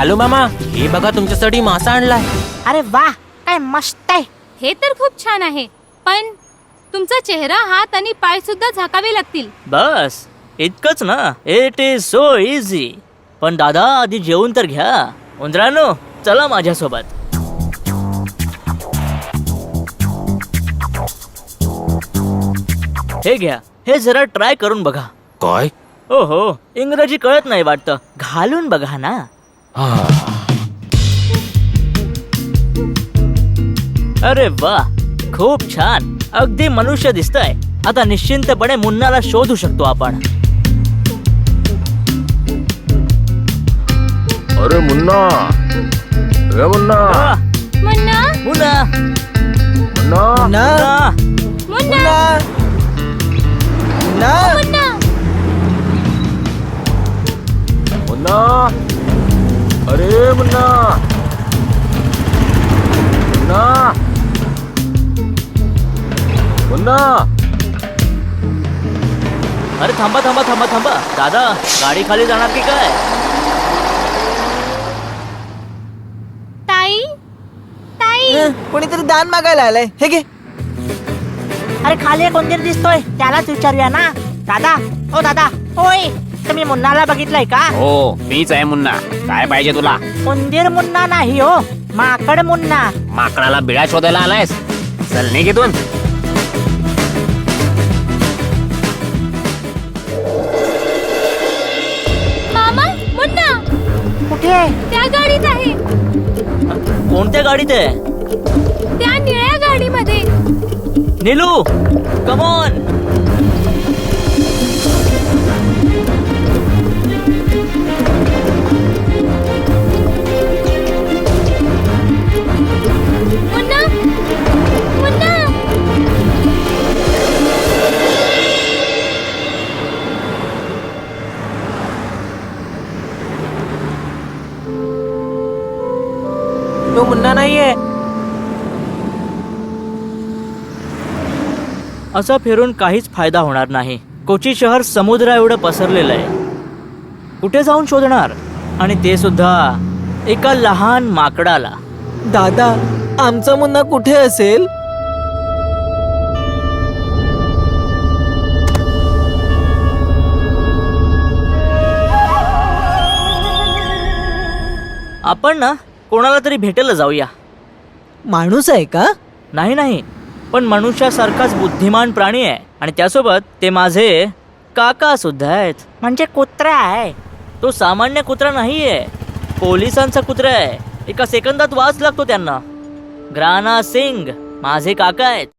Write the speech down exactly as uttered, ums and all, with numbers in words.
लालू मामा, हे बघा तुमच्यासाठी मासा आणलाय. अरे वा, काय मस्त आहे. हे तर खूप छान आहे, पण तुमचा चेहरा, हात आणि पाय सुद्धा झाकावे लागतील. बस इतकंच ना. It is so easy. पण दादा आधी जेवून तर घ्या. उंदरांनो, चला माझ्यासोबत. हे घ्या, हे जरा ट्राय करून बघा. काय? हो हो, इंग्रजी कळत नाही वाटतं. घालून बघा ना. अरे वा, खूप छान. अगदी मनुष्य दिसतंय. आता निश्चिंतपणे मुन्नाला शोधू शकतो आपण. अरे मुन्ना, ए मुन्ना, आ, मुन्ना, मुन्ना, मुन्ना, मुन्ना. मुन्ना, मुन्ना. मुन्ना, अरे मुन्ना, मुन्ना, मुन्ना. अरे थांबा थांबा थांबा थांबा. दादा, गाडी खाली जाणार की काय? ताई, ताई. कोणीतरी दान मागायला आलंय. हे घे. अरे खाली कोणतरी दिसतोय, त्यालाच विचारूया ना. दादा, ओ दादा, होय, तुम्ही मुन्नाला बघितलंय का? हो, मीच आहे मुन्ना. काय पाहिजे तुला? उंदीर मुन्ना नाही हो, माकड मुन्ना. माकडाला बिळा शोधायला आलायस? चल निघ इथून. मामा, मुन्ना कुठे? त्या गाडीत आहे. कोणत्या गाडीत आहे? त्या निळ्या गाडीमध्ये. Neelu, come on. मुन्ना, मुन्ना. तो मुन्ना नाहीये. असं फिरून काहीच फायदा होणार नाही. कोची शहर समुद्रा एवढं पसरलेलं आहे. कुठे जाऊन शोधणार? आणि ते सुद्धा एका लहान माकडाला. दादा, आमचा मुन्ना कुठे असेल? आपण ना कोणाला तरी भेटायला जाऊया. माणूस आहे का? नाही नाही, पण मनुष्यासारखाच बुद्धिमान प्राणी आहे. आणि त्यासोबत ते माझे काका सुद्धा आहेत. म्हणजे कुत्रा आहे. तो सामान्य कुत्रा नाहीये, पोलिसांचा कुत्रा आहे. एका सेकंदात वास लागतो त्यांना. ग्राना सिंग माझे काका आहेत.